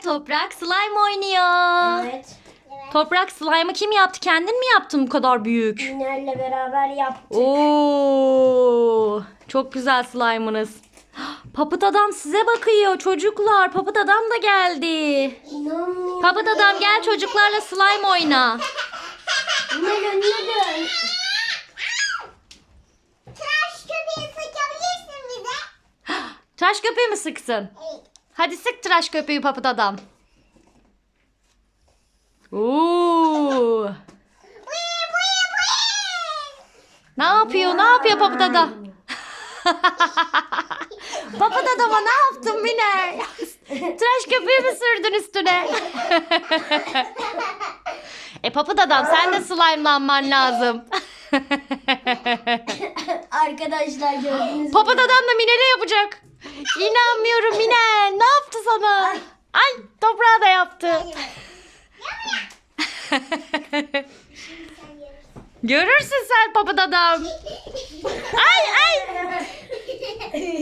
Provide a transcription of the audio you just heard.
Toprak slime oynuyor. Evet. Toprak slime'ı kim yaptı? Kendin mi yaptın bu kadar büyük? Miner'le beraber yaptık. Oo, çok güzel slime'ınız. Papıt adam size bakıyor çocuklar. Papıt adam da geldi. İnanmıyorum. Papıt adam gel çocuklarla slime oyna. Miner önüne dön. Tıraş köpeği sıkabilirsin bize. Tıraş köpüğü mü sıksın? Evet. Hadi sık tıraş köpüğü papıt adam. Oo. Ne yapıyor? Ne yapıyor papıt adam? Papıt adama ne yaptın Mine? Tıraş köpüğü mü sürdün üstüne? Papıt adam sen de slime'lanman lazım. Arkadaşlar gördünüz mü? Papıt adam da Mine ne yapacak? İnanmıyorum Mine. Ne yaptı sana? Ay toprağa da yaptı. Görürsün sen papıt adam. Ay ay.